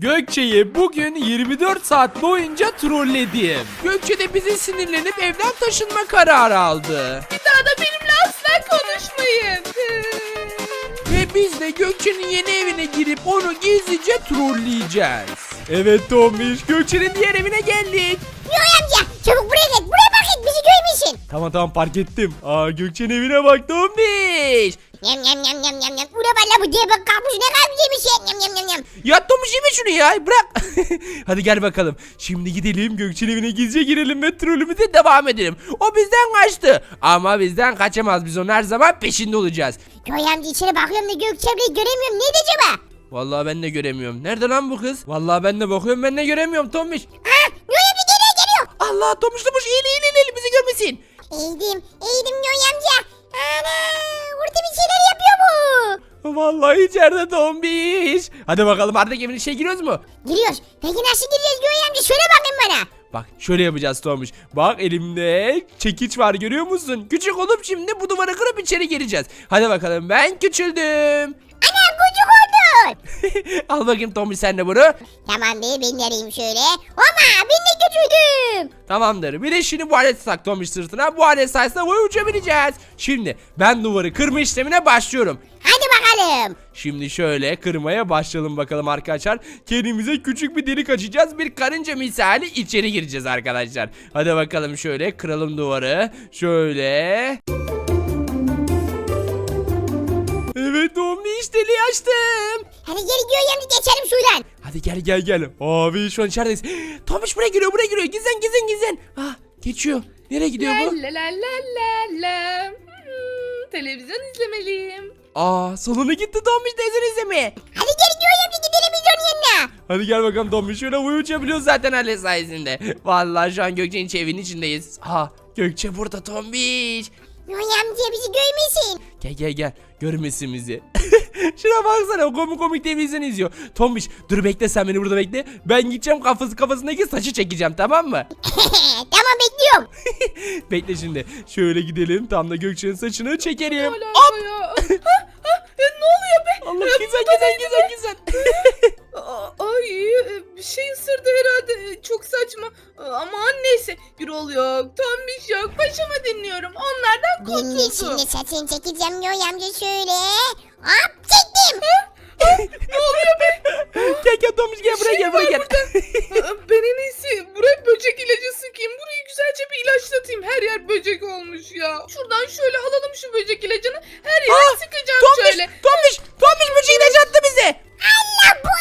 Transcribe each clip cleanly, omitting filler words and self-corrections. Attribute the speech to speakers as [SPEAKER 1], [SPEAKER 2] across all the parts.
[SPEAKER 1] Gökçe'yi bugün 24 saat boyunca trolledim. Gökçe de bizi sinirlenip evden taşınma kararı aldı.
[SPEAKER 2] Bir daha da benimle asla konuşmayın.
[SPEAKER 1] Ve biz de Gökçe'nin yeni evine girip onu gizlice trolleyeceğiz. Evet Tombiş, Gökçe'nin diğer evine geldik.
[SPEAKER 3] Yoy amca çabuk buraya gel. Buraya bak et bizi görmesin.
[SPEAKER 1] Tamam fark ettim. Gökçe'nin evine bak Tombiş.
[SPEAKER 3] Yam yam yam yam yam yam. Ura valla bu diye bak kalmış ne kadar yemiş ya. Yam yam yam yam.
[SPEAKER 1] Ya Tombiş yeme şunu ya, bırak. Hadi gel bakalım. Şimdi gidelim Gökçe'nin evine gizlice girelim ve trollümüze devam edelim. O bizden kaçtı. Ama bizden kaçamaz, biz onun her zaman peşinde olacağız.
[SPEAKER 3] Yoy amca içeri bakıyorum da Gökçemre'yi göremiyorum. Neydi acaba?
[SPEAKER 1] Vallahi ben de göremiyorum. Nerede lan bu kız? Vallahi ben de bakıyorum, ben de göremiyorum Tombiş.
[SPEAKER 3] Yoy amca geliyor.
[SPEAKER 1] Allah, Tombiş eğil bizi görmesin.
[SPEAKER 3] Eğdim Yoy amca. Ana orada bir şeyler yapıyor bu.
[SPEAKER 1] Vallahi içeride Tombiş. Hadi bakalım artık evin içine giriyoruz mu?
[SPEAKER 3] Giriyoruz. Peki nasıl gireceğiz Yoy amca? Şöyle bakın bana.
[SPEAKER 1] Bak şöyle yapacağız Tombiş. Bak elimde çekiç var, görüyor musun? Küçük olup şimdi bu duvarı kırıp içeri gireceğiz. Hadi bakalım, ben küçüldüm.
[SPEAKER 3] Ana kucuk oldun.
[SPEAKER 1] Al bakayım Tombiş sen de bunu.
[SPEAKER 3] Tamam değil ben de arayayım şöyle. Ama ben de küçüldüm.
[SPEAKER 1] Tamamdır. Bir de şimdi bu aleti tak Tombiş sırtına. Bu alet sayesinde boyu uçabileceğiz. Şimdi ben duvarı kırma işlemine başlıyorum.
[SPEAKER 3] Hadi bakalım.
[SPEAKER 1] Şimdi şöyle kırmaya başlayalım bakalım arkadaşlar. Kendimize küçük bir delik açacağız. Bir karınca misali içeri gireceğiz arkadaşlar. Hadi bakalım şöyle kıralım duvarı. Şöyle. Evet Tombiş, deliği açtım.
[SPEAKER 3] Hadi geri Yoy amca geçelim şuradan.
[SPEAKER 1] Hadi gel. Abi şu an içerideyiz. Tombiş buraya giriyor. Gizlen. Geçiyor. Nereye gidiyor bu?
[SPEAKER 2] La la la la la. Televizyon izlemeliyim.
[SPEAKER 1] Salona gitti Tombiş teyzen izlemeye.
[SPEAKER 3] Hadi geri Yoy amca gidelim biz onun yanına.
[SPEAKER 1] Hadi gel bakalım Tombiş, şöyle uçabiliyoruz zaten alet sayesinde. Vallahi şu an Gökçe'nin evinin içindeyiz. Gökçe burada Tombiş.
[SPEAKER 3] Yoy amca bizi görmesin.
[SPEAKER 1] Gel görmesin bizi. Şuna baksana, komik televizyon izliyor. Tombiş dur bekle, sen beni burada bekle. Ben gideceğim kafasındaki saçı çekeceğim, tamam mı?
[SPEAKER 3] Tamam bekliyorum.
[SPEAKER 1] Bekle şimdi. Şöyle gidelim, tam da Gökçe'nin saçını çekelim.
[SPEAKER 2] Hala ya. Ne oluyor be?
[SPEAKER 1] Allah, güzel.
[SPEAKER 2] Ay bir şey ısırdı herhalde. Çok saçma. Aman neyse. Gürol yok. Tombiş yok. Başıma dinliyorum. Onlardan
[SPEAKER 3] Ben de
[SPEAKER 2] kurtuldum.
[SPEAKER 3] şimdi saçını çekeceğim Yoy amca şöyle. Hop çektim.
[SPEAKER 2] Ne oluyor be?
[SPEAKER 1] Gel Tombiş, gel buraya gel.
[SPEAKER 2] Ben en iyisi buraya böcek ilacı sıkayım. Burayı güzelce bir ilaçlatayım. Her yer böcek olmuş ya. Şuradan şöyle alalım şu böcek ilacını. Her yere sıkacağım şöyle.
[SPEAKER 1] Tombiş böcek ilacı attı bize.
[SPEAKER 3] Allah bu.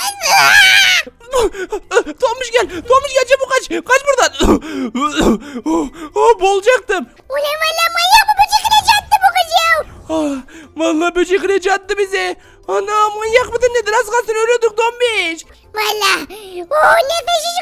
[SPEAKER 1] Tombiş gel çabuk kaç buradan. Boğulacaktım.
[SPEAKER 3] Ulan valla manyak bu böcek ilacı attı bu kız ya.
[SPEAKER 1] Vallahi böcek ilacı attı bize. Ana, manyak mıdır nedir, az kalsın ölüyorduk Tombiş.
[SPEAKER 3] Valla. Nefessiz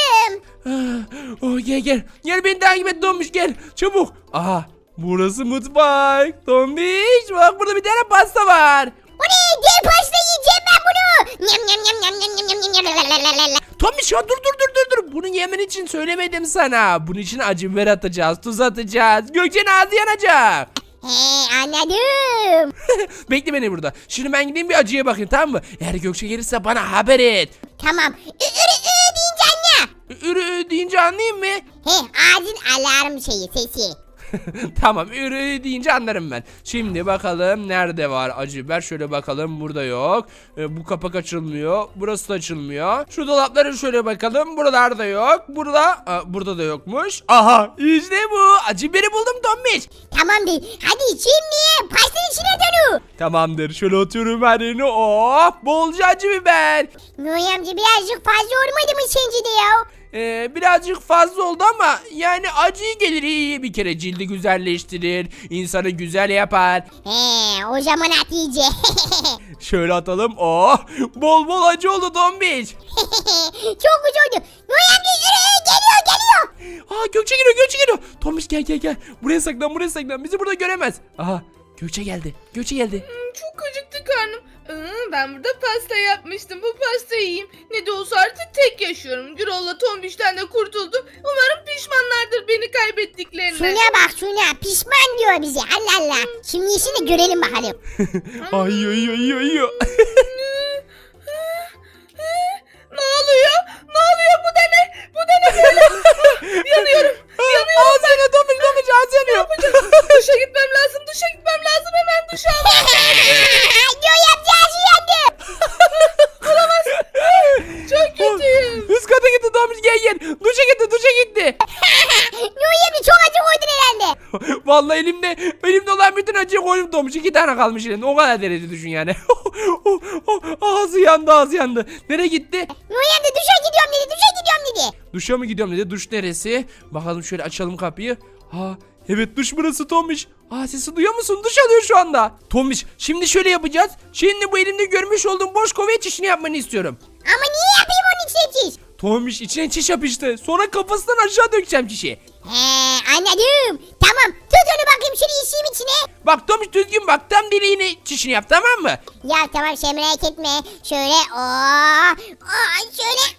[SPEAKER 3] kaldım.
[SPEAKER 1] Gel beni takip et Tombiş, gel çabuk. Burası mutfak. Tombiş bak, burada bir tane pasta var.
[SPEAKER 3] O ne? Gel pasta yiyeceğim ben bunu. Nyam nyam nyam nyam nyam nyam nyam nyam nyam.
[SPEAKER 1] Tombiş ya dur. Bunu yemen için söylemedim sana. Bunun için acı biber atacağız, tuz atacağız. Gökçe'nin ağzı yanacak.
[SPEAKER 3] Anladım.
[SPEAKER 1] Bekle beni burada. Şimdi ben gideyim bir acıya bakayım, tamam mı? Eğer Gökçe gelirse bana haber et.
[SPEAKER 3] Tamam. Deyince anne.
[SPEAKER 1] Ürü deyince anlayayım mı?
[SPEAKER 3] Ağzın alarm sesi.
[SPEAKER 1] Tamam, ürü deyince anlarım ben. Şimdi bakalım nerede var acı biber, şöyle bakalım, burada yok. Bu kapak açılmıyor, burası da açılmıyor. Şu dolaplara şöyle bakalım, buralarda yok. Burada da yokmuş. Aha, işte bu acı biberi buldum Tombiş.
[SPEAKER 3] Tamam değil. Hadi şimdi pastanın içine dönü.
[SPEAKER 1] Tamamdır, şöyle atıyorum her yerine. Bolca acı biber.
[SPEAKER 3] Noy amca birazcık fazla olmadı mı sence de ya?
[SPEAKER 1] Birazcık fazla oldu ama yani acı gelir, iyi bir kere cildi güzelleştirir, insanı güzel yapar.
[SPEAKER 3] O zaman at iyice.
[SPEAKER 1] Şöyle atalım. Bol acı oldu Tombiş.
[SPEAKER 3] Çok güzel oldu. Noy amca geliyor.
[SPEAKER 1] Gökçe geliyor. Tombiş gel. Buraya saklan. Bizi burada göremez. Gökçe geldi.
[SPEAKER 2] Çok acıktı karnım. Ben burada pasta yapmıştım. Bu pastayı yiyeyim. Ne de olsa artık tek yaşıyorum. Gürol'la Tombiş'ten de kurtuldum. Umarım pişmanlardır beni kaybettiklerine.
[SPEAKER 3] Şuna bak şuna. Pişman diyor bize. Allah Allah. Şimdi işini görelim bakalım.
[SPEAKER 1] Ay.
[SPEAKER 2] Ne
[SPEAKER 1] gel. Duşa gitti.
[SPEAKER 3] Yoy amca çok acı koydun herhalde.
[SPEAKER 1] Vallahi elimde olan bütün acıyı koydum Tomuş. 2 tane kalmış elinde. O kadar derece düşün yani. Ağzı yandı. Nereye gitti?
[SPEAKER 3] Yoy amca duşa gidiyorum dedi.
[SPEAKER 1] Duşa mı gidiyorum dedi. Duş neresi? Bakalım şöyle açalım kapıyı. Ha, evet duş burası Tomuş. Sesi duyuyor musun? Duş alıyor şu anda. Tomuş şimdi şöyle yapacağız. Şimdi bu elimde görmüş olduğum boş kovaya çişini yapmanı istiyorum.
[SPEAKER 3] Ama niye yapayım onun içine çiş?
[SPEAKER 1] Tomuş içine çiş yapıştı. Sonra kafasından aşağı dökeceğim çişi.
[SPEAKER 3] Anladım. Tamam tut onu bakayım şunu işeyim içine.
[SPEAKER 1] Bak Tomuş düzgün bak. Tam deliğine çişini yap tamam mı?
[SPEAKER 3] Ya tamam şey merak etme. Şöyle şöyle.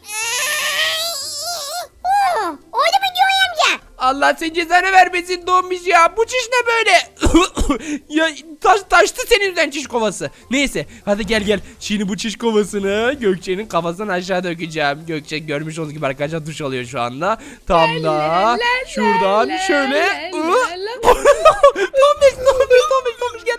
[SPEAKER 3] Oldu mu Yoy amca?
[SPEAKER 1] Allah senin cezanı vermesin Tomuş ya. Bu çiş ne böyle? Ya taştı senin yüzünden çiş kovası. Neyse hadi gel. Şimdi bu çiş kovasını Gökçe'nin kafasından aşağı dökeceğim. Gökçe görmüş olduğunuz gibi arkadaşlar duş alıyor şu anda. Tam da şuradan şöyle. Tomuş gel.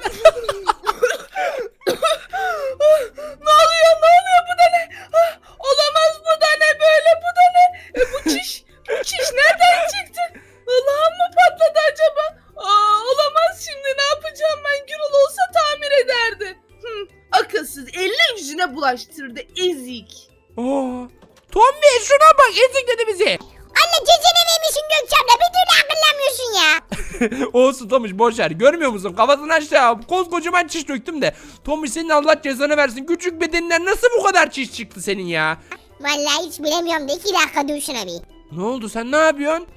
[SPEAKER 2] Ne oluyor bu da ne? Olamaz bu da ne böyle bu da ne? Bu çiş nereden çıktı? Allah'ım mı patladı acaba? Olamaz şimdi ne yapacağım ben? Gürol olsa tamir ederdi. Akılsız eline yüzüne bulaştırdı ezik.
[SPEAKER 1] Tomuş şuna bak ezikledi bizi.
[SPEAKER 3] Allah cezene vermişsin Gökçem'le bir türlü akıllanmıyorsun ya.
[SPEAKER 1] Olsun Tomuş boşver görmüyor musun kafasını aşağı koskocaman çiş döktüm de. Tomuş senin Allah cezanı versin küçük bedeninden nasıl bu kadar çiş çıktı senin ya?
[SPEAKER 3] Vallahi hiç bilemiyorum da 2 dakika dur şuna bir.
[SPEAKER 1] Ne oldu sen ne yapıyorsun?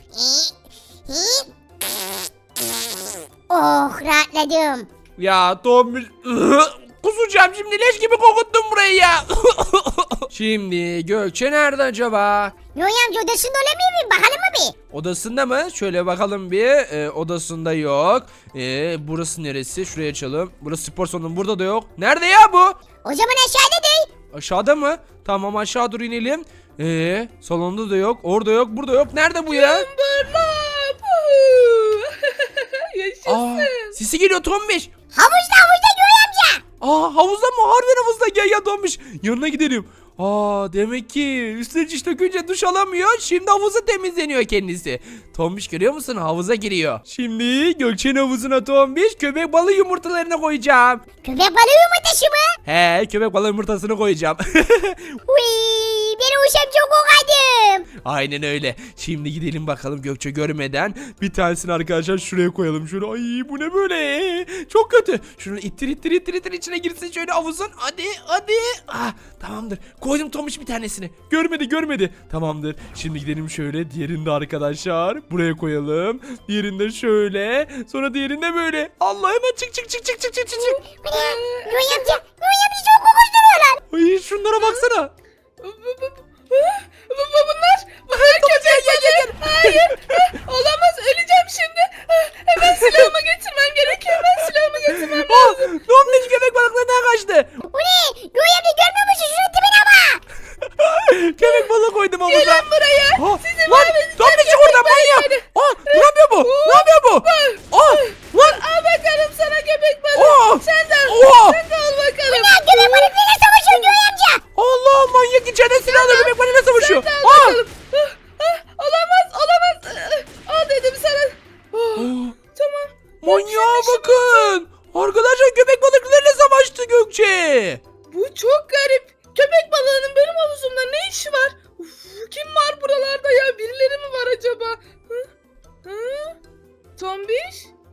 [SPEAKER 3] Oh rahatladım.
[SPEAKER 1] Ya Tomuş kusacağım şimdi leş gibi kokuttun burayı ya. Şimdi Gökçe nerede acaba?
[SPEAKER 3] Yoy amca odasında olamıyor muyum? Bakalım mı bir?
[SPEAKER 1] Odasında mı? Şöyle bakalım bir. Odasında yok. Burası neresi? Şuraya açalım. Burası spor salonu. Burada da yok. Nerede ya bu?
[SPEAKER 3] O zaman aşağıda değil.
[SPEAKER 1] Aşağıda mı? Tamam aşağı dur inelim. Salonda da yok. Orada yok. Burada yok. Nerede bu ya?
[SPEAKER 2] Bırlap. Yaşasın.
[SPEAKER 1] Sesi geliyor Tombiş.
[SPEAKER 3] Havuzda Yoy amca.
[SPEAKER 1] Havuzda mı? Harbiden havuzda. Gel Tombiş. Yanına gidelim. Demek ki üstüne çiş dökünce duş alamıyor. Şimdi havuzu temizleniyor kendisi. Tombiş görüyor musun? Havuza giriyor. Şimdi Gökçe'nin havuzuna Tombiş köpek balığı yumurtalarını koyacağım.
[SPEAKER 3] Köpek balığı yumurtası mı?
[SPEAKER 1] He, köpek balığı yumurtasını koyacağım.
[SPEAKER 3] Uy, ben uşam çok kokadım.
[SPEAKER 1] Aynen öyle. Şimdi gidelim bakalım Gökçe görmeden. Bir tanesini arkadaşlar şuraya koyalım. Şöyle ay bu ne böyle? Çok kötü. Şunu ittir içine girsin şöyle havuzun. Hadi. Tamamdır. Koydum Tomuş bir tanesini. Görmedi. Tamamdır. Şimdi gidelim şöyle. Diğerini de arkadaşlar buraya koyalım. Diğerini de şöyle. Sonra diğerini de böyle. Allah hemen çık.
[SPEAKER 3] Yoy amca çok kokuşturuyorlar.
[SPEAKER 1] Ay şunlara baksana.
[SPEAKER 2] Bunlar köpek balığı. Hayır. Olamaz öleceğim şimdi. Hemen silahımı getirmem gerekiyor.
[SPEAKER 1] Tombiş köpek balıklarından kaçtı.
[SPEAKER 3] Bu ne? Yoy amca görmüyor musun? Şunun tipine bak.
[SPEAKER 1] Köpek balığı koydum havuza.
[SPEAKER 2] Gelin buraya. Sizi mahvedeceğim.
[SPEAKER 1] Tombiş çık oradan manyak. Ne yapıyor bu? Lan.
[SPEAKER 2] Al bakalım sana köpek balığı. Sen de al bakalım.
[SPEAKER 3] Ya köpek balıklarıyla savaşıyor Yoy amca.
[SPEAKER 1] Allah manyak içeride silahla köpek balığıyla savaşıyor.
[SPEAKER 2] Sen de al bakalım. Olamaz. Al dedim sana. Tamam.
[SPEAKER 1] Manyağa bakın. Arkadaşlar köpek balıklarıyla savaştı Gökçe.
[SPEAKER 2] Bu çok garip. Köpek balığının benim havuzumda ne işi var? Kim var buralarda ya? Birileri mi var acaba? Tombiş?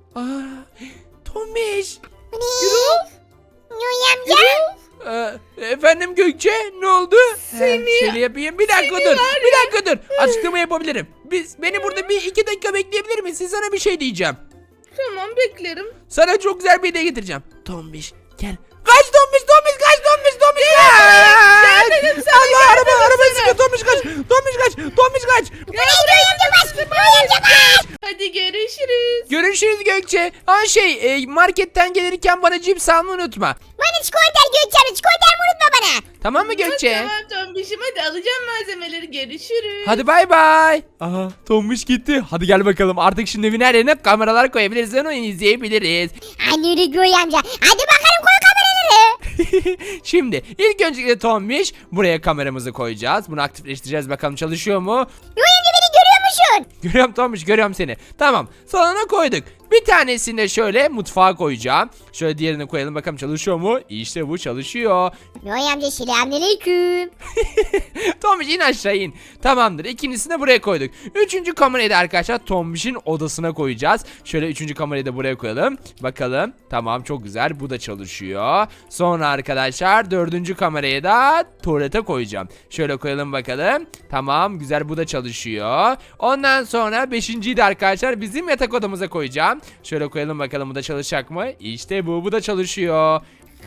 [SPEAKER 1] Tombiş.
[SPEAKER 3] Bu ne?
[SPEAKER 2] Gürol?
[SPEAKER 3] Yoy amca.
[SPEAKER 1] Efendim Gökçe ne oldu?
[SPEAKER 2] Seni-
[SPEAKER 1] Şöyle yapayım. Bir dakika dur. Bir dakika dur. Açıklama yapabilirim. Beni burada 2 dakika bekleyebilir misin? Sana bir şey diyeceğim.
[SPEAKER 2] Tamam beklerim.
[SPEAKER 1] Sana çok güzel bir hediye getireceğim. Tombiş gel. Kaç Tombiş kaç.
[SPEAKER 2] Gel dedim sana,
[SPEAKER 1] Allah
[SPEAKER 2] gel dedim
[SPEAKER 1] araba
[SPEAKER 2] sana.
[SPEAKER 1] sıkıyor Tombiş kaç.
[SPEAKER 3] Yoy amca bas. Yoy amca bas.
[SPEAKER 2] Hadi görüşürüz.
[SPEAKER 1] Görüşürüz Gökçe. Marketten gelirken bana cips almayı unutma.
[SPEAKER 3] Bana çikolata Gökçem'le çikolata unutma bana.
[SPEAKER 1] Tamam mı Gökçe?
[SPEAKER 2] Tamam Tombiş'im hadi alacağım malzemeleri. Görüşürüz.
[SPEAKER 1] Hadi bay bay. Aha Tombiş gitti. Hadi gel bakalım. Artık şimdi evin her yerine kameralar koyabiliriz. Onu izleyebiliriz.
[SPEAKER 3] Hadi yürü Yoy amca. Hadi bakalım koy kameraları.
[SPEAKER 1] Şimdi ilk öncelikle Tombiş buraya kameramızı koyacağız. Bunu aktifleştireceğiz, bakalım çalışıyor mu?
[SPEAKER 3] Yoy amca beni görüyor musun?
[SPEAKER 1] Görüyorum Tombiş, görüyorum seni. Tamam, salona koyduk. Bir tanesini de şöyle mutfağa koyacağım. Şöyle diğerini koyalım, bakalım çalışıyor mu? İşte bu çalışıyor.
[SPEAKER 3] Yoy amca selamünaleyküm.
[SPEAKER 1] Tombiş in aşağı in. Tamamdır, ikincisini de buraya koyduk. Üçüncü kamerayı da arkadaşlar Tombiş'in odasına koyacağız. Şöyle üçüncü kamerayı da buraya koyalım. Bakalım. Tamam, çok güzel, bu da çalışıyor. Sonra arkadaşlar dördüncü kamerayı da tuvalete koyacağım. Şöyle koyalım bakalım. Tamam, güzel, bu da çalışıyor. Ondan sonra beşinciyi de arkadaşlar bizim yatak odamıza koyacağım. Şöyle koyalım bakalım, bu da çalışacak mı? İşte bu da çalışıyor.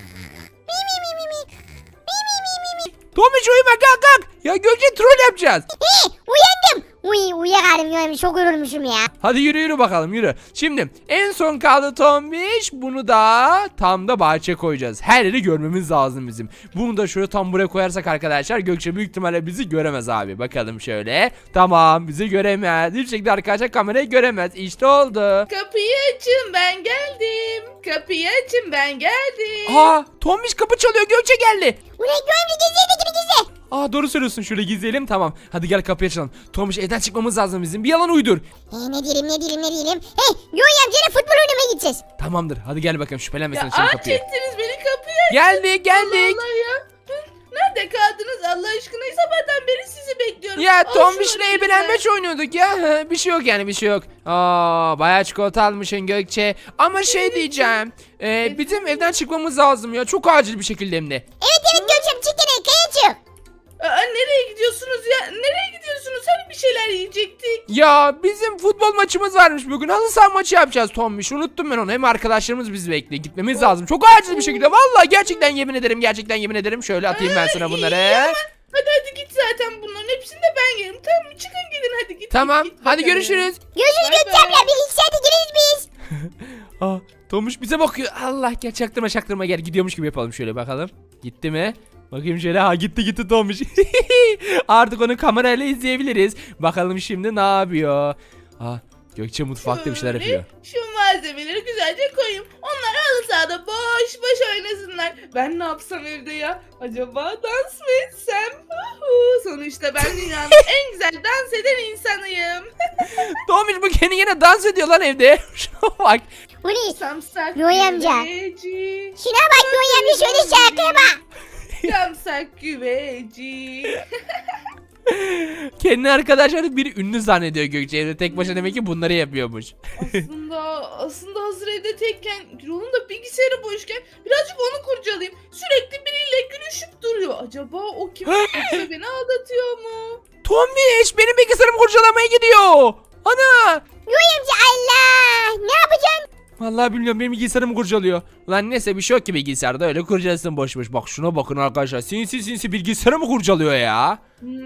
[SPEAKER 1] Tomiş uyuma, kalk kalk. Ya Gökçe, troll yapacağız.
[SPEAKER 3] Uyandım. Uyuyakaldım Yoy amca, çok yorulmuşum ya.
[SPEAKER 1] Hadi yürü yürü bakalım, yürü. Şimdi en son kaldı Tombiş. Bunu da tam da bahçe koyacağız. Her yeri görmemiz lazım bizim. Bunu da şöyle tam buraya koyarsak arkadaşlar Gökçe büyük ihtimalle bizi göremez abi. Bakalım şöyle. Tamam, bizi göremez. Hiçbir şekilde arkadaşlar kamerayı göremez. İşte oldu.
[SPEAKER 2] Kapıyı açın, ben geldim. Kapıyı açın, ben geldim.
[SPEAKER 1] Aa, Tombiş kapı çalıyor, Gökçe geldi.
[SPEAKER 3] Ulan Yoy amca gizli gizli.
[SPEAKER 1] Aa, doğru söylüyorsun, şöyle gizleyelim, tamam. Hadi gel kapıyı açalım. Tombiş, evden çıkmamız lazım bizim. Bir yalan uydur.
[SPEAKER 3] Ne diyelim. Hey Yoy amcayla futbol oynamaya gideceğiz.
[SPEAKER 1] Tamamdır, hadi gel bakalım, şüphelenmesin
[SPEAKER 2] Ya
[SPEAKER 1] açalım
[SPEAKER 2] aç
[SPEAKER 1] kapıyı.
[SPEAKER 2] ettiniz beni, kapıyı açın.
[SPEAKER 1] Geldik.
[SPEAKER 2] Allah ya. Nerede kaldınız Allah aşkına? Sabahtan beri sizi bekliyorum.
[SPEAKER 1] Ya
[SPEAKER 2] Al
[SPEAKER 1] Tombiş'le
[SPEAKER 2] şunları
[SPEAKER 1] ebelenmeç oynuyorduk ya. Bir şey yok yani, bir şey yok. Aa, bayağı çikolata almışsın Gökçe. Ama şey diyeceğim. Bizim evden çıkmamız lazım ya. Çok acil bir şekilde hem de.
[SPEAKER 3] Evet Gökçem, çık gene kaya çık.
[SPEAKER 2] Nereye gidiyorsunuz ya? Nereye gidiyorsunuz? Hani bir şeyler yiyecektik.
[SPEAKER 1] Ya bizim futbol maçımız varmış bugün. Halı saha maçı yapacağız Tombiş. Unuttum ben onu. Hem arkadaşlarımız bizi bekliyor. Gitmemiz lazım. Çok acil bir şekilde. Vallahi gerçekten yemin ederim. Şöyle atayım ben sana bunları.
[SPEAKER 2] Hadi git, zaten bunların hepsini de ben yerim. Tamam mı? Çıkın gidin, hadi git.
[SPEAKER 1] Tamam.
[SPEAKER 2] git
[SPEAKER 1] Hadi
[SPEAKER 2] bakalım.
[SPEAKER 1] görüşürüz.
[SPEAKER 3] Görüşürüz
[SPEAKER 2] Bay
[SPEAKER 3] Gökçem
[SPEAKER 2] bay.
[SPEAKER 3] ya, bir iki saate geliriz biz.
[SPEAKER 1] Aa, Tomuş bize bakıyor. Allah, gel çaktırma gel. Gidiyormuş gibi yapalım, şöyle bakalım. Gitti mi? Bakayım şöyle. Ha, gitti Tomuş. Artık onu kamerayla izleyebiliriz. Bakalım şimdi ne yapıyor. Aa, Gökçe mutfakta bir şeyler
[SPEAKER 2] Şöyle
[SPEAKER 1] yapıyor.
[SPEAKER 2] Şu malzemeleri güzelce koyayım. Onlar halı sahada boş boş oynasınlar. Ben ne yapsam evde ya? Acaba dans mı etsem? Sonuçta ben dünyanın en güzel dans eden insanıyım.
[SPEAKER 1] Tomuş, bu kendi yine dans ediyor lan evde. Şuna bak.
[SPEAKER 3] Uli,
[SPEAKER 2] Samsak
[SPEAKER 3] Yoy amca.
[SPEAKER 2] güveci.
[SPEAKER 3] şuna bak Yoy amca, şöyle şarkıya bak.
[SPEAKER 2] Samsak güveci.
[SPEAKER 1] Kendi arkadaşları bir ünlü zannediyor Gökçe. Evde tek başına demek ki bunları yapıyormuş.
[SPEAKER 2] Aslında hazır evde tekken, Gürol'un da bilgisayarı boşken birazcık onu kurcalayayım. Sürekli biriyle gülüşüp duruyor. Acaba o kim? Yoksa beni aldatıyor mu?
[SPEAKER 1] Tomuş, benim bilgisayarımı kurcalamaya gidiyor. Ana.
[SPEAKER 3] Yoy amca, Allah, ne yapacaksın?
[SPEAKER 1] Vallahi bilmiyorum, benim bilgisayarımı kurcalıyor. Lan neyse, bir şey yok ki bilgisayarda, öyle kurcalasın boş boş. Bak şuna bakın arkadaşlar, sinsi bilgisayarımı kurcalıyor ya.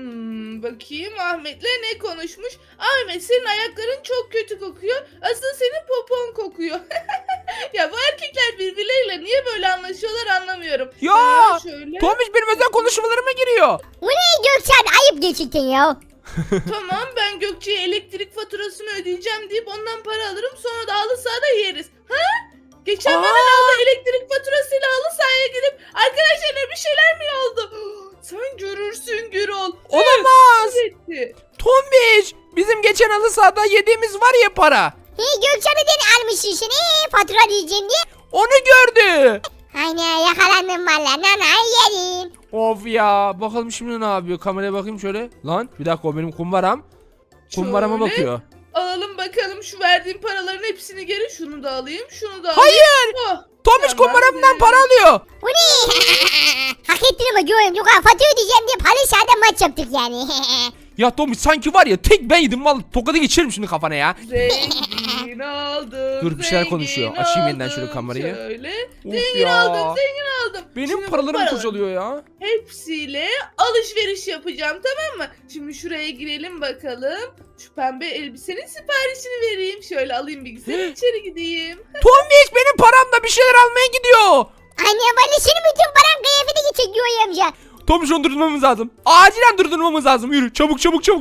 [SPEAKER 2] Bakayım Ahmet'le ne konuşmuş? Ahmet, senin ayakların çok kötü kokuyor. Aslında senin popon kokuyor. Ya bu erkekler birbirleriyle niye böyle anlaşıyorlar anlamıyorum.
[SPEAKER 1] Ya
[SPEAKER 2] Şöyle.
[SPEAKER 1] Tomuş benim özel konuşmalarıma giriyor.
[SPEAKER 3] Uli Gökçem, ayıp gerçekten ya.
[SPEAKER 2] Tamam, ben Gökçe'ye elektrik faturasını ödeyeceğim deyip ondan para alırım, sonra da halı sahada yeriz. Ha? Geçen bana ne oldu? Elektrik faturasıyla halı sahaya gidip arkadaşlarına bir şeyler mi oldu? Sen görürsün Gürol.
[SPEAKER 1] Olamaz.
[SPEAKER 2] Evet.
[SPEAKER 1] Tombiş, bizim geçen halı sahada yediğimiz var ya para.
[SPEAKER 3] Gökçem neden almışsın seni fatura diyeceğim diye.
[SPEAKER 1] Onu gördü.
[SPEAKER 3] Aynen, yakalandım valla, nanay yerim.
[SPEAKER 1] Of ya, bakalım şimdi ne yapıyor. Kameraya bakayım şöyle. Lan bir dakika, o benim kumbaram. Kumbarama
[SPEAKER 2] Şöyle.
[SPEAKER 1] bakıyor.
[SPEAKER 2] Alalım bakalım şu verdiğim paraların hepsini geri. Şunu da alayım, şunu da alayım.
[SPEAKER 1] Hayır.
[SPEAKER 2] Oh,
[SPEAKER 1] Tomuş
[SPEAKER 2] tamam,
[SPEAKER 1] kumbaramdan
[SPEAKER 2] evet.
[SPEAKER 1] para alıyor.
[SPEAKER 3] Uli, hak ettin ama Yoy amca, fatura ödeyeceğim diye halı sahada maç yaptık yani.
[SPEAKER 1] Ya Tomuş, sanki var ya tek ben yedim, vallahi tokadı geçiririm şimdi kafana ya.
[SPEAKER 2] Zengin oldum.
[SPEAKER 1] Dur, bir şeyler konuşuyor.
[SPEAKER 2] zengin
[SPEAKER 1] Açayım yeniden şöyle
[SPEAKER 2] oldum.
[SPEAKER 1] kamerayı.
[SPEAKER 2] Şöyle.
[SPEAKER 1] Of
[SPEAKER 2] Zengin
[SPEAKER 1] ya.
[SPEAKER 2] oldum, zengin oldum.
[SPEAKER 1] Benim
[SPEAKER 2] Şimdi bu
[SPEAKER 1] paralarımı
[SPEAKER 2] paraların
[SPEAKER 1] kurcalıyor ya.
[SPEAKER 2] Hepsiyle alışveriş yapacağım, tamam mı? Şimdi şuraya girelim bakalım. Şu pembe elbisenin siparişini vereyim. Şöyle alayım bilgisayarı, içeri gideyim.
[SPEAKER 1] Tomuş benim paramla bir şeyler almaya gidiyor.
[SPEAKER 3] Anne, valla senin bütün paran kıyafete geçecek Yoy amca.
[SPEAKER 1] Tomuş, onu durdurmamız lazım. Acilen durdurmamız lazım. Yürü çabuk.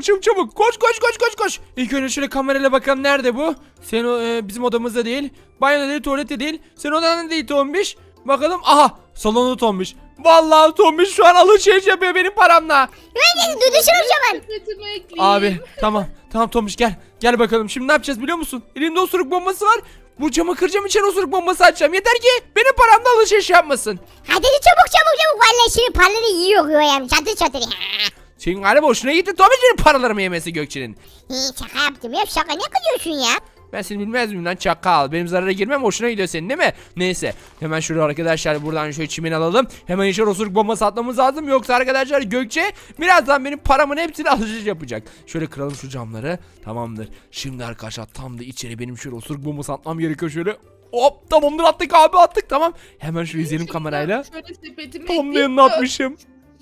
[SPEAKER 1] Koş. İlk önce şöyle kamerayla bakalım, nerede bu? Bizim odamızda değil. Banyoda değil, tuvalette değil. Senin odanda değil Tombiş. Bakalım. Aha, Salonu Tombiş. Vallahi Tombiş şu an alışveriş yapıyor benim paramla.
[SPEAKER 3] Güvenli duduşun o zaman.
[SPEAKER 2] Sepetime ekleyeyim.
[SPEAKER 1] Abi tamam. Tamam Tombiş gel. Gel bakalım. Şimdi ne yapacağız biliyor musun? Elimde osuruk bombası var. Bu camı kıracağım, içeri osuruk bombası açacağım. Yeter ki benim paramla alışveriş yapmasın.
[SPEAKER 3] Hadi çabuk. Vallahi şimdi paraları yiyor Göğe amca. Çatır.
[SPEAKER 1] Senin galiba hoşuna gitti Tombiş benim paralarımı yemesi Gökçe'nin.
[SPEAKER 3] Şaka yaptım ya, şaka ne kızıyorsun ya?
[SPEAKER 1] Ben seni bilmez miyim lan çakal. Benim zarara girmem hoşuna gidiyor senin değil mi? Neyse. Hemen şuraya arkadaşlar buradan şöyle çimen alalım. Hemen içeri osuruk bombası atmamız lazım. Yoksa arkadaşlar Gökçe birazdan benim paramın hepsini alışveriş yapacak. Şöyle kıralım şu camları. Tamamdır. Şimdi arkadaşlar tam da içeri benim şöyle osuruk bombası atmam gerekiyor şöyle. Hop tamamdır attık abi attık tamam. Hemen şöyle izleyelim kamerayla.
[SPEAKER 2] Şöyle sepetime
[SPEAKER 1] Tam da
[SPEAKER 2] ekleyeyim.
[SPEAKER 1] yanına atmışım.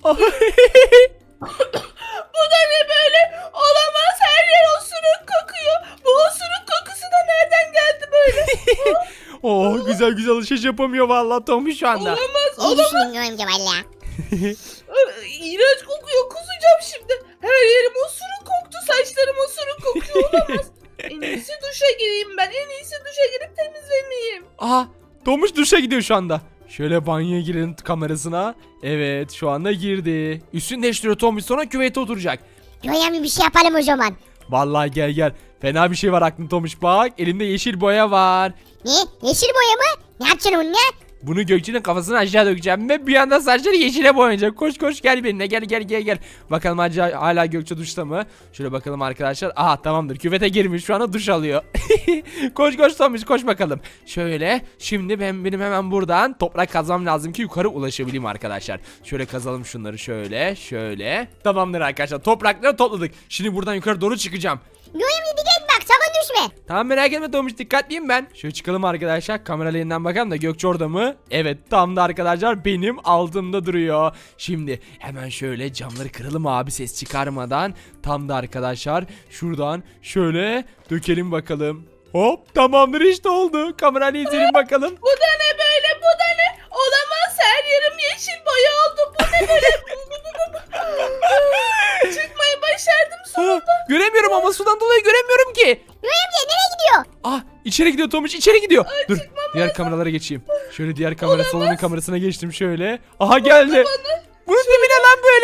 [SPEAKER 2] Bu da ne böyle? Olamaz, her yer osuruk kokuyor. Bu osuruk kokusu da nereden geldi böyle?
[SPEAKER 1] Oh güzel güzel alışveriş yapamıyor vallahi Tombiş şu anda.
[SPEAKER 2] Olamaz,
[SPEAKER 3] İyi
[SPEAKER 2] olamaz.
[SPEAKER 3] düşündün Göğe amca valla.
[SPEAKER 2] İğrenç kokuyor, kusacağım şimdi. Her yerim osuruk koktu, saçlarım osuruk kokuyor, olamaz. En iyisi duşa gireyim ben, en iyisi duşa girip temizleneyim.
[SPEAKER 1] Aha Tomuş duşa gidiyor şu anda. Şöyle banyoya girelim kamerasına. Evet şu anda girdi. Üstünü değiştiriyor Tomuş sonra küvete oturacak.
[SPEAKER 3] Göğe amca bir şey yapalım o zaman.
[SPEAKER 1] Vallahi gel gel. Fena bir şey var aklında Tomuş bak. Elimde yeşil boya var.
[SPEAKER 3] Ne? Yeşil boya mı? Ne yapacaksın onunla?
[SPEAKER 1] Bunu Gökçe'nin kafasına aşağı dökeceğim ve bir anda saçları yeşile boyanacak. Koş koş gel benimle gel. Bakalım hala Gökçe duşta mı? Şöyle bakalım arkadaşlar. Aha tamamdır küvete girmiş şu anda duş alıyor. koş Tomuş koş bakalım. Şöyle şimdi benim hemen buradan toprak kazmam lazım ki yukarı ulaşabileyim arkadaşlar. Şöyle kazalım şunları şöyle. Tamamdır arkadaşlar toprakları topladık. Şimdi buradan yukarı doğru çıkacağım.
[SPEAKER 3] Göğe amca dikkat bak, sakın düşme.
[SPEAKER 1] Tamam merak etme Tomuş dikkatliyim ben. Şöyle çıkalım arkadaşlar kamera yeniden bakalım da Gökçe orada mı? Evet tam da arkadaşlar benim altımda duruyor. Şimdi hemen şöyle camları kıralım abi ses çıkarmadan. Tam da arkadaşlar şuradan şöyle dökelim bakalım. Hop tamamdır işte oldu. Kamerayla izleyelim bakalım.
[SPEAKER 2] Bu da ne böyle, bu da ne? Olamaz, her yerim yeşil boya oldu. Bu ne böyle? Çıkmayı başardım sonunda.
[SPEAKER 1] Göremiyorum ama sudan dolayı göremiyorum ki.
[SPEAKER 3] Göğe amca nereye gidiyor?
[SPEAKER 1] Ah içeri gidiyor Tomuş içeri gidiyor. Dur
[SPEAKER 2] çıkmam
[SPEAKER 1] diğer kameralara geçeyim. Şöyle diğer kamera salonun kamerasına geçtim şöyle. Aha geldi. Bunun dibine lan böyle.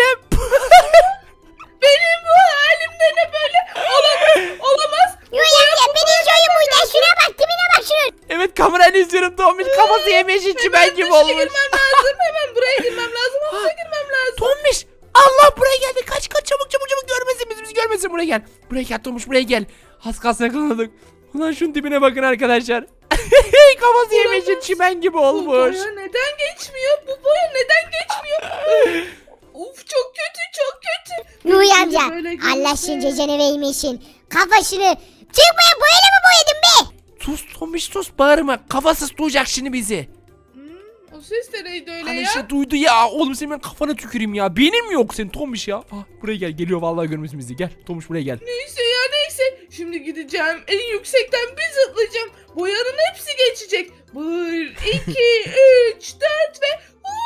[SPEAKER 2] Benim bu halimde ne böyle? Olamaz.
[SPEAKER 3] Göğe amca beni izliyorum buradan, şuna bak, tipine bak şunun.
[SPEAKER 1] Evet kamerayla izliyorum Tomuş kafası yemiş içi ben gibi
[SPEAKER 2] Duşa
[SPEAKER 1] olmuş.
[SPEAKER 2] girmem lazım. Hemen buraya girmem lazım. Havuza girmem lazım.
[SPEAKER 1] Tomuş Allah buraya geldi kaç çabuk görmesin bizi görmesin buraya gel. Buraya gel Tomuş buraya gel. Az kalsın yakaladık. Ulan şunun dibine bakın arkadaşlar. Kafası yemiş çimen gibi
[SPEAKER 2] Bu
[SPEAKER 1] olmuş.
[SPEAKER 2] boya neden geçmiyor? Bu boya neden geçmiyor? Uf çok kötü.
[SPEAKER 3] Göğe amca
[SPEAKER 2] Böyle
[SPEAKER 3] Allah
[SPEAKER 2] görürse-
[SPEAKER 3] şimdi cecene vermesin. Kafasını çıkmaya boyayla mı boyadın be?
[SPEAKER 1] Sus Tomuş sus bağırma kafasız duyacak şimdi bizi.
[SPEAKER 2] O ses de neydi öyle
[SPEAKER 1] Hani
[SPEAKER 2] ya?
[SPEAKER 1] işte duydu ya oğlum senin ben kafana tüküreyim ya. Benim yok senin Tomuş ya. Buraya geliyor vallahi görmesin bizi gel Tomuş buraya gel.
[SPEAKER 2] Neyse ya neyse. Şimdi gideceğim. En yüksekten bir zıplayacağım. Boyanın hepsi geçecek. 1, 2, 3, 4 ve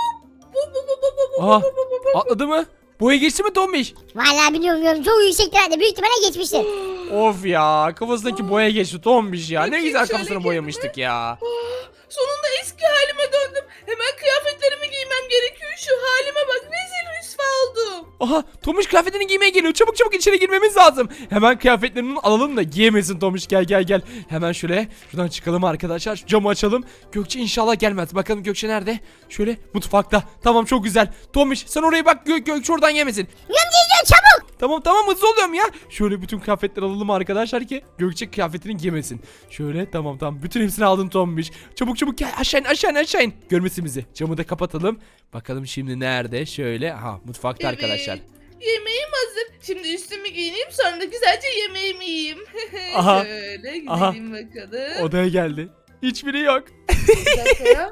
[SPEAKER 1] Aha, atladı mı? Boya geçti mi Tomuş?
[SPEAKER 3] Vallahi bilmiyorum, çok yüksekten büyük ihtimalle geçmiştir.
[SPEAKER 1] Of ya kafasındaki boya geçti Tomuş ya. Ne
[SPEAKER 2] Bakayım
[SPEAKER 1] güzel
[SPEAKER 2] şöyle
[SPEAKER 1] kafasını
[SPEAKER 2] kendime.
[SPEAKER 1] boyamıştık ya.
[SPEAKER 2] Sonunda eski halime döndüm. Hemen kıyafetlerimi giymem gerekiyor. Şu halime bak. Rezil rüsva oldum.
[SPEAKER 1] Aha Tomuş kıyafetini giymeye geliyor. Çabuk içeri girmemiz lazım. Hemen kıyafetlerini alalım da giyemesin Tomuş. Gel. Hemen şöyle şuradan çıkalım arkadaşlar. Şu camı açalım. Gökçe inşallah gelmez. Bakalım Gökçe nerede? Şöyle mutfakta. Tamam çok güzel. Tomuş sen oraya bak Gökçe oradan yemesin.
[SPEAKER 3] Göğe amca izliyor, çabuk.
[SPEAKER 1] Tamam hızlı oluyorum ya. Şöyle bütün kıyafetleri alalım arkadaşlar ki Gökçe kıyafetini giymesin. Şöyle tamam bütün hepsini aldım Tomuş. Çabuk gel aşağı in. Görmesin bizi. Camı da kapatalım. Bakalım şimdi nerede? Şöyle mutfakta arkadaşlar.
[SPEAKER 2] Yemeğim hazır. Şimdi üstümü giyineyim sonra da güzelce yemeğimi yiyeyim.
[SPEAKER 1] Aha.
[SPEAKER 2] Şöyle
[SPEAKER 1] Aha.
[SPEAKER 2] gidelim bakalım.
[SPEAKER 1] Odaya geldi. Hiçbiri yok.
[SPEAKER 2] Bir dakika ya.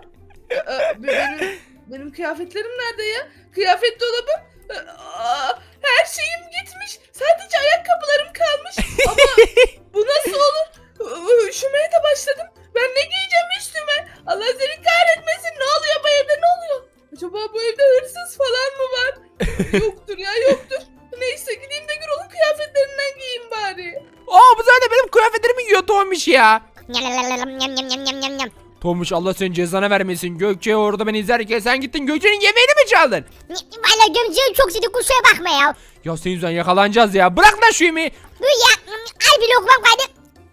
[SPEAKER 2] Benim kıyafetlerim nerede ya? Kıyafet dolabım. Her şeyim gitmiş. Sadece ayakkabılarım kalmış. Ama bu nasıl olur? Üşümeye de başladım. Ben ne giyeceğim üstüme? Allah seni kahretmesin. Ne oluyor bu evde? Ne oluyor? Acaba bu evde hırsız falan mı var? Yoktur ya yoktur. Neyse gideyim de Gürol'un kıyafetlerinden giyeyim bari.
[SPEAKER 1] Bu zaten benim kıyafetlerimi giyiyor Tomuş ya.
[SPEAKER 3] Nyam.
[SPEAKER 1] Tomuş Allah senin cezanı vermesin. Gökçe orada beni izlerken sen gittin Gökçe'nin yemeğini mi çaldın?
[SPEAKER 3] Valla gömceğim çok seni kusura bakma ya.
[SPEAKER 1] Ya senin yüzünden yakalanacağız ya. Bırak lan şu yemeği.
[SPEAKER 3] Dur ya. Al bir lokmam kaldı.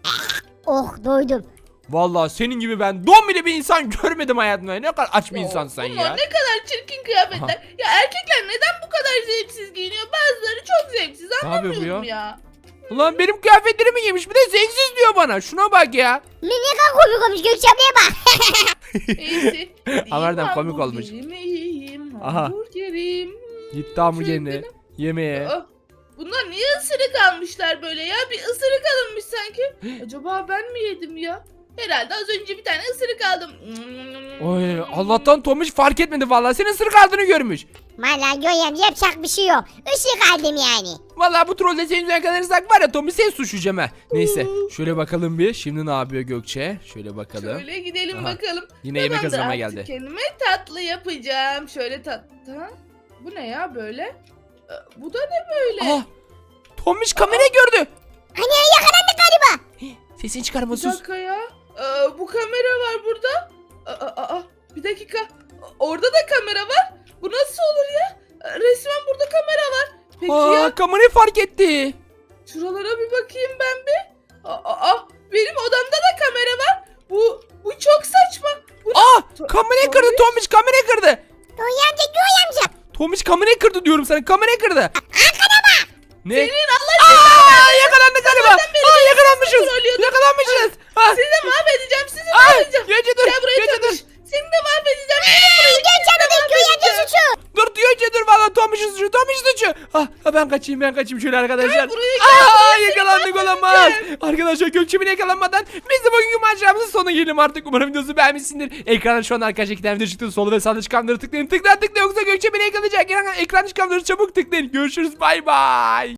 [SPEAKER 3] Oh doydum.
[SPEAKER 1] Vallahi senin gibi ben don bile bir insan görmedim hayatımda. Ne kadar aç bir insansın
[SPEAKER 2] Bunlar
[SPEAKER 1] ya.
[SPEAKER 2] ne kadar çirkin kıyafetler. Ya erkekler neden bu kadar zevksiz giyiniyor? Bazıları çok zevksiz,
[SPEAKER 1] Ne yapıyor bu
[SPEAKER 2] anlamıyorum
[SPEAKER 1] ya?
[SPEAKER 2] ya.
[SPEAKER 1] Ulan benim kıyafetlerimi giymiş bir de zevksiz diyor bana. Şuna bak ya.
[SPEAKER 3] Ne kadar komik olmuş Gökçe ablaya bak.
[SPEAKER 2] Neyse.
[SPEAKER 1] Harbiden komik olmuş.
[SPEAKER 2] Hamburgerimi yiyeyim.
[SPEAKER 1] Aha.
[SPEAKER 2] Hamburgerim.
[SPEAKER 1] Gitti hamburgerini yemeğe.
[SPEAKER 2] Aa, bunlar niye ısırık almışlar böyle ya? Bir ısırık alınmış sanki. Acaba ben mi yedim ya? Herhalde az önce bir tane ısırık aldım.
[SPEAKER 1] Oy, Allah'tan Tomuş fark etmedi vallahi. Senin ısırık aldığını görmüş.
[SPEAKER 3] Valla Göğem yapacak bir şey yok. Işık aldım yani.
[SPEAKER 1] Vallahi bu trolde senin yüzünden kalırsak var ya Tomuş seni suçlayacağım ha. Neyse şöyle bakalım bir. Şimdi ne yapıyor Gökçe? Şöyle bakalım.
[SPEAKER 2] Şöyle gidelim
[SPEAKER 1] Aha.
[SPEAKER 2] bakalım.
[SPEAKER 1] Yine yemek
[SPEAKER 2] Tamamdır,
[SPEAKER 1] hazırlamaya
[SPEAKER 2] artık
[SPEAKER 1] geldi.
[SPEAKER 2] kendime tatlı yapacağım. Şöyle tatlı. Bu ne ya böyle? Bu da ne böyle?
[SPEAKER 1] Ah! Tomuş kamerayı gördü.
[SPEAKER 3] Hani yakalandık galiba.
[SPEAKER 1] Sesini çıkarma
[SPEAKER 2] Bir
[SPEAKER 1] sus.
[SPEAKER 2] dakika ya. Bu kamera var burada. Bir dakika. Orada da kamera var. Bu nasıl olur ya? Resmen burada kamera var. Peki ya
[SPEAKER 1] Aa, kamerayı fark etti.
[SPEAKER 2] şuralara bir bakayım ben bir. Benim odamda da kamera var. Bu çok saçma. Bu
[SPEAKER 1] Kamerayı kırdı
[SPEAKER 2] Tomuş.
[SPEAKER 1] Tomuş kamerayı kırdı.
[SPEAKER 3] Göğem amca.
[SPEAKER 1] Tomuş kamerayı kırdı diyorum sana kamerayı kırdı.
[SPEAKER 3] Arkana bak.
[SPEAKER 1] Ne?
[SPEAKER 2] Senin Allah
[SPEAKER 1] Yakalandık galiba. Yakalanmışız.
[SPEAKER 2] trollüyordun.
[SPEAKER 1] Yakalanmışız.
[SPEAKER 2] sizi de mahvedeceğim. Sizi
[SPEAKER 1] Ay,
[SPEAKER 2] mahvedeceğim.
[SPEAKER 1] Gökçe dur.
[SPEAKER 2] Gel buraya
[SPEAKER 1] Gökçe dur.
[SPEAKER 2] Tomuş. Seni de mahvedeceğim.
[SPEAKER 3] Gökçe abla da Göğem amca suçu.
[SPEAKER 1] Dur Gökçe dur valla Tomuş'un suçu. Tomuş'un suçu. Ben kaçayım şöyle arkadaşlar.
[SPEAKER 2] buraya gel,
[SPEAKER 1] Yakalandık olamaz. Arkadaşlar Gökçe beni yakalanmadan biz de bugünkü maceramızın sonuna gelelim artık. Umarım videosu beğenmişsindir. Ekranda şu an arkadaşlar iki tane video çıktı. Sol ve sağda çıkanları tıklayın. Tıkla yoksa Gökçe beni yakalayacak. Ekranda çıkanları çabuk tıklayın. Görüşürüz bay bay.